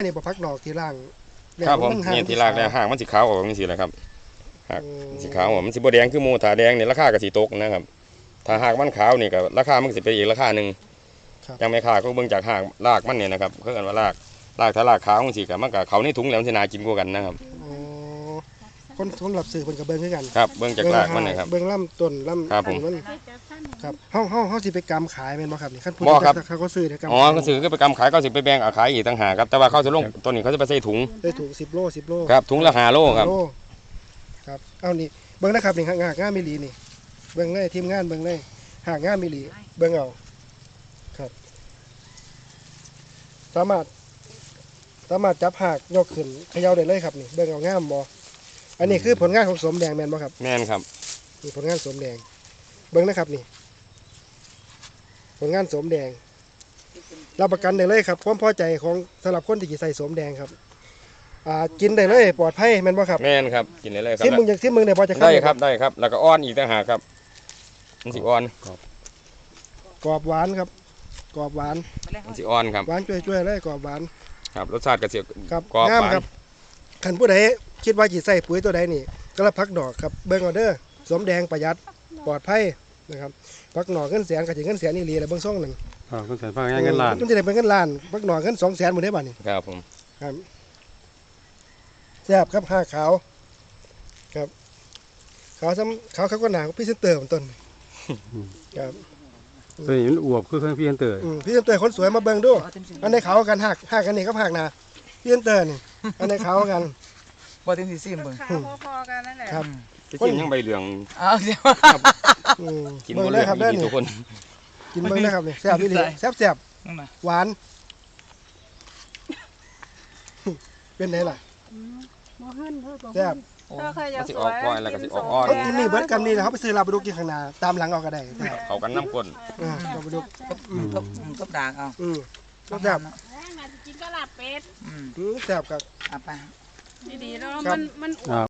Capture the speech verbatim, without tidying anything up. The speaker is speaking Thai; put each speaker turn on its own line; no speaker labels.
นี่บ่พักดอกที่ล่าง
ครับผมนี่ที่รากแล้วห่างมันสีขาวออกนี่สิแหละครับหากสีขาวมันสีบแดงคือโมถาแดงเนี่ยราคาก็สีตกนะครับถ้าหากมันขาวนี่ก็ราคามันสิเป็นอีกราคาหนึ่งยังไม่ขาดก็เบิ่งจากหางรากมันเนี่ยนะครับเขาเรียกว่ารากรากถ้ารากขาวมันสีกับมันกับเขาในถุงแล้วมันจะน่ากินกว่ากันนะครับ
คนสำหรับสื่อคนกับเบิ้งคือกัน
ครับเบิ้งจากรากมันนะครับ
เบิ้งลำต้นลำ
ครับผม
มันครับเฮาเฮาเฮาสิไปกำขายเป็นบ่ครับนี่ขั้นพูดเขาก็ซื้อ
อ๋อเขาซื้อก็ไปกำขายก็สิไปแบ่งขายอีกต่างหากครับแต่ว่าเขาจะลงต้นนี้เขาจะไปใส่ถุง
ใส่ถุงสิบโลสิบโล
ครับถุงละห้าโลครับ
ครับเอานี่เบิ้งนะครับนี่หากงานมิลีนี่เบิ้งเลยทีมงานเบิ้งเลยหากงานมิลีเบิ้งเอาครับสามารถสามารถจับหากยกขึ้นเขย่าได้เลยครับนี่เบิ้งเอางามบ่อันนี้คือผลงานของสมแดงแมนบ่ครับ
แมนครับ
นี่ผลงานสมแดงเบิ้งนะครับนี่ผลงานสมแดงรับประกันได้เลยครับความพอใจของสำหรับคนที่จะใส่สมแดงครับอ่ากินได้เลยปลอดภัยแมนบ่ครับ
แมนครับกินได้เลยครับ
ที่มึงอยากที่มึงได้พอจะ
ได้ครับได้ครับแล้วก็อ้อนอีกต่างหากครับมันสิอ้อน
กรอบหวานครับกรอบหวาน
มันสิอ้อนครับ
หวานช่วยๆเลยกรอบหวาน
ครับรสชาติกระเสีย
ครับงามครับขันผู้ใดคิดว่าจีใส่ปุ๋ยตัวใดนี่ก็รับพักดอกครับเบิ้งออเดอร์สมแดงประหยัดปลอดภัยนะครับพักหน่อเงินแสนกับจีเงินแสนนี่รีอะไรเบิ้งซ่องหนึ่ง
อ่าเงินแสนพักเงินล้าน
มันจะได้เป็นเงินล้านพักหน่อเงินสองแสนหมดได้บ้านี่
ครับผม
ครับแซ่บครับห้าขาวครับขาวซ้ำขาวเขาก็หนาพี่เซนเตอร์ต้นครับ
ตัวนี้มันอวบคือเครื่องพี่เซนเตอร์
พี่เซนเตอร์คนสวยมาเบิ้งดูอันในเขากันหักหักกันนี่ก็หักนาพี่เซนเตอร์นี่อันในเขากัน
บ่ถึงสิซิมเบิ่ง
พอๆกันนั่นแหละ
ครับ
กินยังใบเหลือง
อ้าวเดี๋ยว
กินหมดเลยครับได้ทุกคน
กินเบิ้งได้ครับนี่แซ่บนี่แซ่บแซ่บหวานเป็นไงล่ะแซ่บ
ก็สิออกก้อยแล้วก็สิออกอ้อน
เขากินนี่เบิร์ดกันนี่เขาไปซื้อลาบดุกกินข้างหน้าตามหลังเอาก็ได้
เขากันน้ำก้น
ลาบดุก
ก็ก็ด่างเอา
อืมก็แซ่บ
กินก็ลาบเป็ด
แซ่บครับ
อ่ะไป
ดีๆแล้วมันมัน